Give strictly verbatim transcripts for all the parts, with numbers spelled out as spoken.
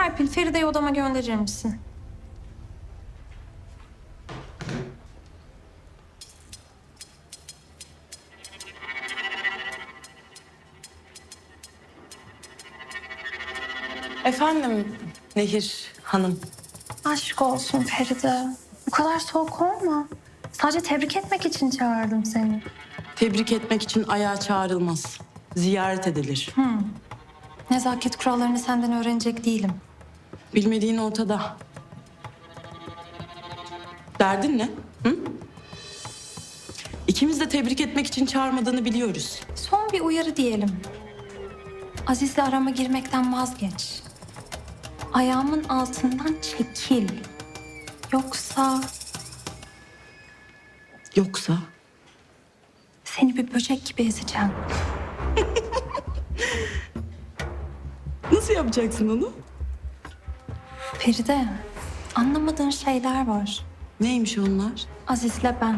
Serpil, Feride'yi odama gönderir misin? Efendim Nehir Hanım. Aşk olsun Feride. Bu kadar soğuk olma. Sadece tebrik etmek için çağırdım seni. Tebrik etmek için ayağa çağrılmaz. Ziyaret edilir. Nezaket kurallarını senden öğrenecek değilim. Bilmediğin ortada. Derdin ne? Hı? İkimiz de tebrik etmek için çağırmadığını biliyoruz. Son bir uyarı diyelim. Aziz'le arama girmekten vazgeç. Ayağımın altından çekil. Yoksa Yoksa seni bir böcek gibi ezeceğim. nasıl yapacaksın onu? Feride, anlamadığın şeyler var. Neymiş onlar? Aziz'le ben.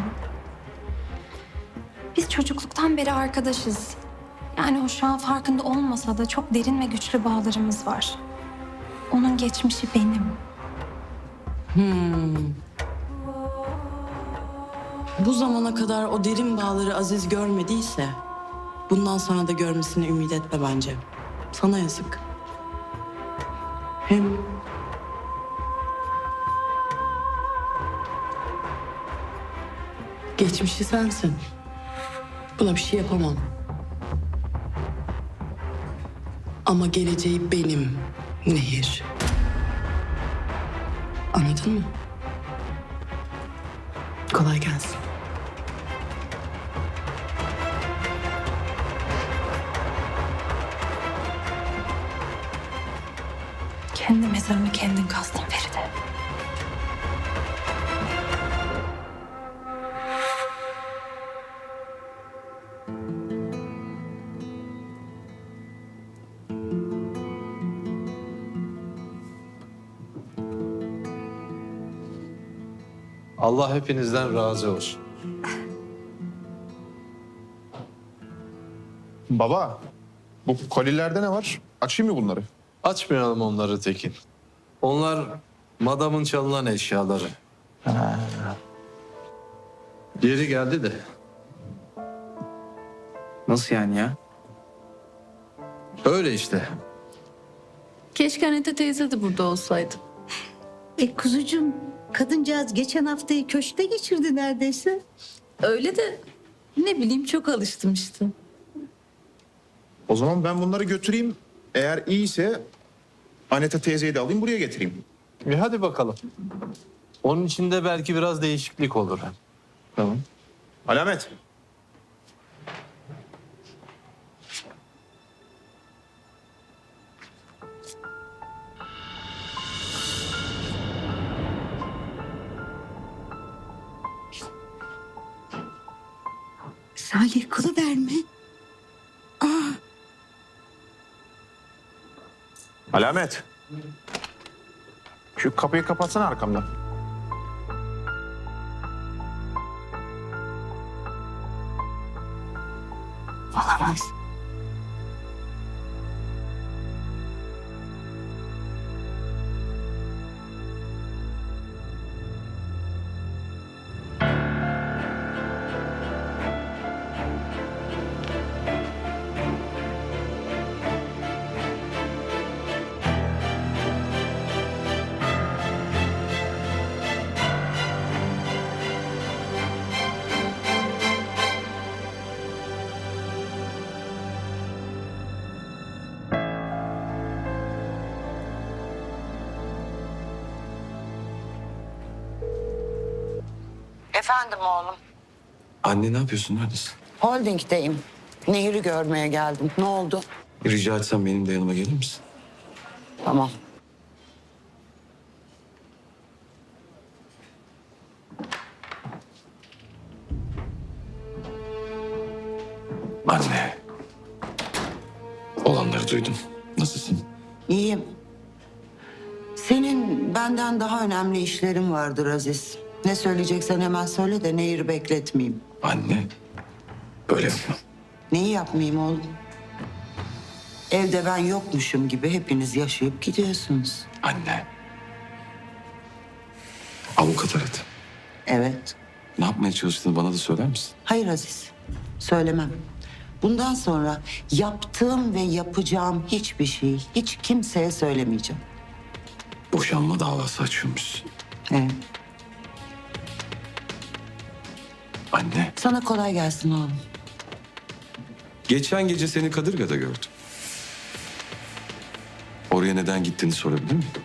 Biz çocukluktan beri arkadaşız. Yani o şu an farkında olmasa da çok derin ve güçlü bağlarımız var. Onun geçmişi benim. Bu zamana kadar o derin bağları Aziz görmediyse bundan sonra da görmesini ümit etme bence. Sana yazık. Hem geçmişi sensin. Buna bir şey yapamam. Ama geleceği benim Nehir. Anladın mı? Kolay gelsin. Kendi mezarını kendin kazdın Feride. Allah hepinizden razı olsun. Baba, bu kolilerde ne var? Açayım mı bunları? Açmayalım onları Tekin. Onlar madamın çalınan eşyaları. Geri geldi de. Nasıl yani ya? Öyle işte. Keşke Anita teyze de burada olsaydı. E kuzucuğum, kadıncağız geçen haftayı köşkte geçirdi neredeyse. Öyle de ne bileyim çok alıştım işte. O zaman ben bunları götüreyim. Eğer iyiyse Aneta teyzeyi de alayım buraya getireyim. Bir hadi bakalım. Onun içinde belki biraz değişiklik olur. Tamam. Alamet. Salih kılıverme. Alamet. Şu kapıyı kapatsana arkamdan. Olamaz. Efendim oğlum. Anne ne yapıyorsun? Neredesin? Holding'deyim. Nehir'i görmeye geldim. Ne oldu? Rica etsem benim de yanıma gelir misin? Tamam. Anne. Olanları duydum. Nasılsın? İyiyim. Senin benden daha önemli işlerin vardır Aziz. Ne söyleyeceksen hemen söyle de Nehir'i bekletmeyeyim. Anne. Böyle yapma. Neyi yapmayayım oğlum? Evde ben yokmuşum gibi hepiniz yaşayıp gidiyorsunuz. Anne. Avukat aradı. Evet. Ne yapmaya çalıştığını bana da söyler misin? Hayır Aziz, söylemem. Bundan sonra yaptığım ve yapacağım hiçbir şeyi hiç kimseye söylemeyeceğim. Boşanma davası açıyormuşsun. Evet. Anne. Sana kolay gelsin oğlum. Geçen gece seni Kadırga'da gördüm. Oraya neden gittiğini sorabilir miyim?